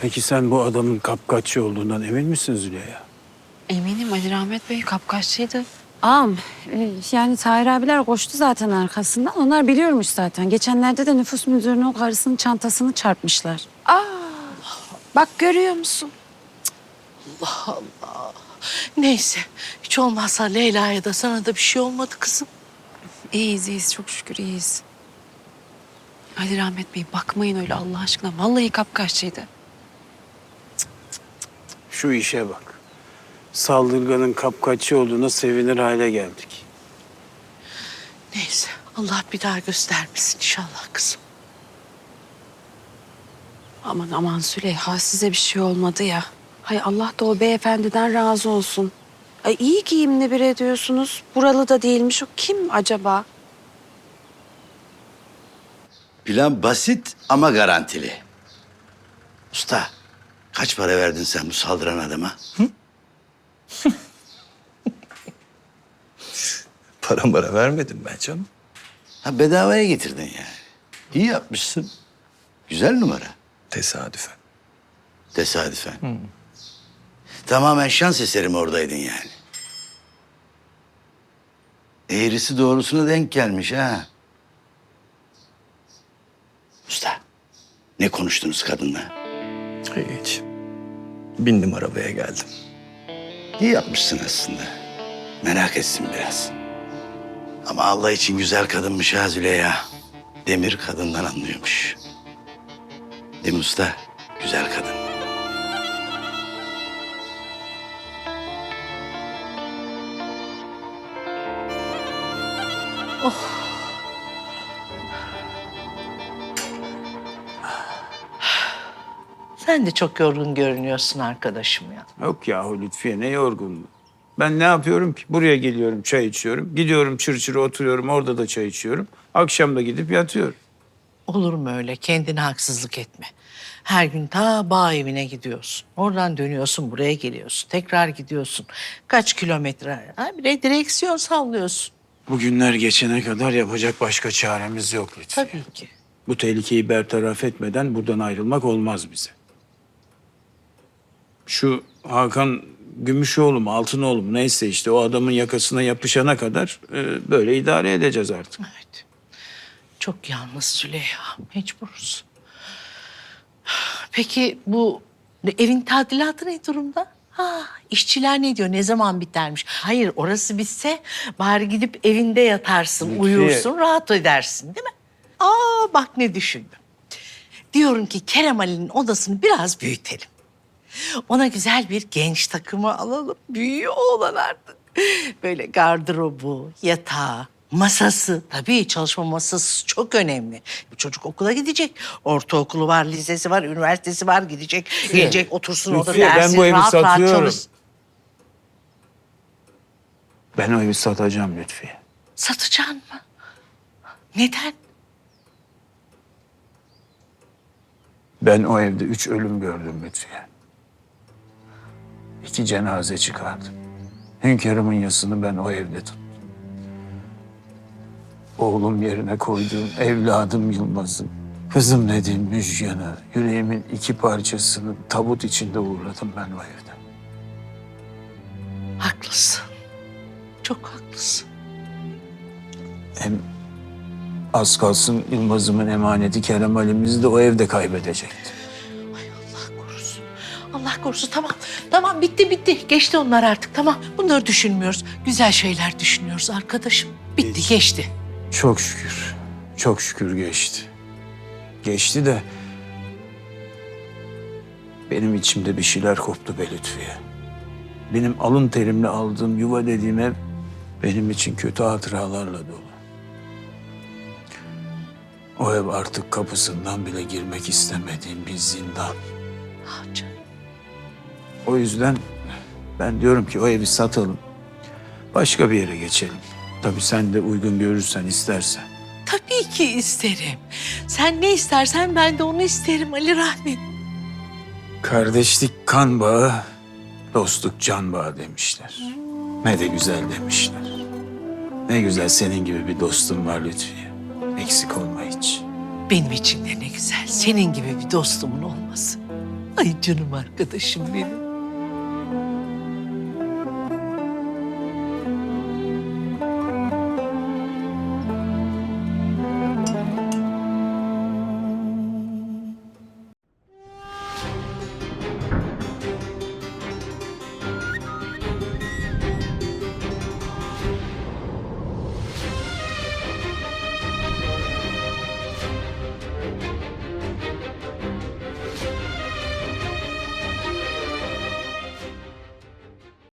Peki sen bu adamın kapkaççı olduğundan emin misin Züleyha? Eminim Ali Rahmet Bey kapkaççıydı. Ağam, yani Tahir abiler koştu zaten arkasından. Onlar biliyormuş zaten. Geçenlerde de nüfus müdürünün o karısının çantasını çarpmışlar. Bak görüyor musun? Neyse, hiç olmazsa Leyla'ya da sana da bir şey olmadı kızım. İyiyiz çok şükür iyiyiz. Ali Rahmet Bey bakmayın öyle Allah aşkına. Vallahi kapkaççıydı. Şu işe bak. Saldırganın kapkaççı olduğuna sevinir hale geldik. Neyse, Allah bir daha göstermesin inşallah kızım. Aman Züleyha size bir şey olmadı ya. Hay Allah da o beyefendiden razı olsun. Ay iyi giyimli bir ediyorsunuz. Buralı da değilmiş. O kim acaba? Plan basit ama garantili. Usta, kaç para verdin sen bu saldıran adama? Para vermedim ben canım. Ha, bedavaya getirdin yani. İyi yapmışsın. Güzel numara. Tesadüfen. Tesadüfen. Tamamen şans eseri mi oradaydın yani? Eğrisi doğrusuna denk gelmiş ha. Usta, ne konuştunuz kadınla? Hiç. Bindim arabaya geldim. İyi yapmışsın aslında. Merak etsin biraz. Ama Allah için güzel kadınmış ha Züleyha. Demir kadından anlıyormuş. Değil mi usta? Güzel kadın. Sen de çok yorgun görünüyorsun arkadaşım ya. Yok yahu Lütfiye ne yorgunluğu. Ben ne yapıyorum ki? Buraya geliyorum çay içiyorum. Gidiyorum çır oturuyorum orada da çay içiyorum. Akşam da gidip yatıyorum. Olur mu öyle? Kendine haksızlık etme. Her gün ta bağ evine gidiyorsun. Oradan dönüyorsun, buraya geliyorsun. Tekrar gidiyorsun. Kaç kilometre? Ha, bir de direksiyon sallıyorsun. Bu günler geçene kadar yapacak başka çaremiz yok Lütfiye. Tabii ki. Bu tehlikeyi bertaraf etmeden buradan ayrılmak olmaz bize. Şu Hakan Gümüşoğlu mu Altınoğlu mu neyse işte o adamın yakasına yapışana kadar böyle idare edeceğiz artık. Evet. Çok yalnız Züleyha. Mecburuz. Peki bu evin tadilatı ne durumda? Ha, işçiler ne diyor? Ne zaman bitermiş? Hayır, orası bitse bari gidip evinde yatarsın, Lütfiye. uyursun, rahat edersin değil mi? Aa, bak ne düşündüm. Diyorum ki Kerem Ali'nin odasını biraz büyütelim. Ona güzel bir genç takımı alalım. Büyüyor oğlan artık. Böyle gardırobu, yatağı, masası. Tabii çalışma masası çok önemli. Bu çocuk okula gidecek. Ortaokulu var, lisesi var, üniversitesi var. Gidecek, gelecek, otursun orada Lütfiye, ben dersin. bu evi Rahat rahat satıyorum. çalış. Ben o evi satacağım Lütfiye. Satacaksın mı? Neden? Ben o evde 3 ölüm gördüm Lütfiye. 2 cenaze çıkardım. Hünkârımın yasını ben o evde tuttum. Oğlum yerine koyduğum evladım Yılmaz'ı, kızım dediğim Müjgan'ı, yüreğimin 2 parçasını tabut içinde uğurladım ben o evde. Haklısın. Çok haklısın. Hem az kalsın Yılmaz'ımın emaneti Kerem Ali'mizi de o evde kaybedecekti. Ay Allah korusun. Allah korusun. Tamam. Tamam bitti. Geçti onlar artık. Tamam. Bunları düşünmüyoruz. Güzel şeyler düşünüyoruz arkadaşım. Bitti geçti. Çok şükür, çok şükür geçti. Geçti de benim içimde bir şeyler koptu be Lütfiye. Benim alın terimle aldığım yuva dediğim ev benim için kötü hatıralarla dolu. O ev artık kapısından bile girmek istemediğim bir zindan. Ah canım. O yüzden ben diyorum ki o evi satalım. Başka bir yere geçelim. Tabii sen de uygun görürsen, istersen. Tabii ki isterim. Sen ne istersen ben de onu isterim Ali Rahmet. Kardeşlik kan bağı, dostluk can bağı demişler. Ne de güzel demişler. Ne güzel senin gibi bir dostum var Lütfiye. Eksik olma hiç. Benim için de ne güzel. Senin gibi bir dostumun olması. Ay Ay canım arkadaşım benim.